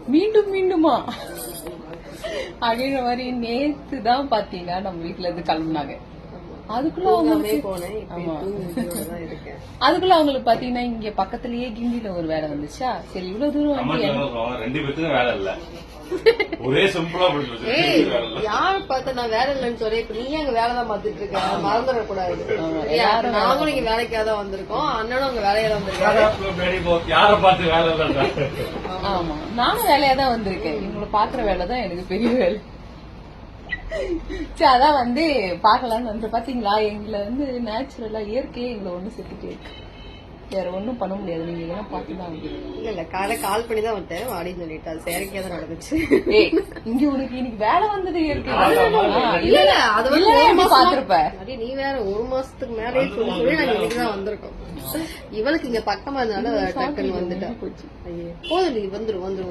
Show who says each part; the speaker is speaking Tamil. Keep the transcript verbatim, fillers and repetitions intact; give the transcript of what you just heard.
Speaker 1: மீண்டும் மீண்டுமா அப்படின்ற மாதிரி நேத்து தான் பாத்தீங்கன்னா நம்ம வீட்டுல இருந்து கிளம்புனாங்க. அதுக்குள்ள அதுக்குள்ள அவங்களுக்கு பாத்தீங்கன்னா இங்க பக்கத்துலயே கிண்டில ஒரு வேலை வந்துச்சா. சரி இவ்வளவு தூரம்
Speaker 2: ரெண்டு பேருக்கும் வேலை இல்ல, ஒரே சிம்பிளா
Speaker 3: யாரு பார்த்தா நான் வேலை இல்லைன்னு சொல்லி இப்ப நீ அங்க வேலைதான் பாத்துட்டு இருக்க, மறந்துட கூடாது. நாங்களும் இங்க வேலைக்காக தான் வந்திருக்கோம், அண்ணனும் அங்க வேலையா தான் வந்திருக்காரு.
Speaker 2: யார பார்த்து வேலை இல்ல.
Speaker 1: ஆமா நானும் வேலையா தான் வந்திருக்கேன், இவங்களை பாக்குற வேலைதான் எனக்கு பெரிய வேலை. சரி அதான் வந்து பாக்கலாம்னு வந்து பாத்தீங்களா, எங்களை வந்து நேச்சுரலா இயற்கையே எங்களை ஒண்ணு செத்துட்டே இருக்கு, வேற ஒண்ணும் பண்ண முடியாது. நீங்க இதெல்லாம் பாத்துதான்
Speaker 3: இல்ல இல்ல காலை கால் பண்ணி தான் வந்தேன் வாடின்னு சொல்லிட்டு அது செயற்கையா தான் நடந்துச்சு.
Speaker 1: இங்க உனக்கு இன்னைக்கு வேலை வந்தது இயற்கை
Speaker 3: இல்ல இல்ல அது வந்து
Speaker 1: பாத்துருப்ப
Speaker 3: நீ வேற ஒரு மாசத்துக்கு மேலே சொல்லி சொல்லி நாங்க இன்னைக்குதான் வந்திருக்கோம். இவளுக்கு இங்க பக்கமா இருந்தனால டக்குன்னு வந்துட்டா. போதும் நீ வந்துரும் வந்துரும்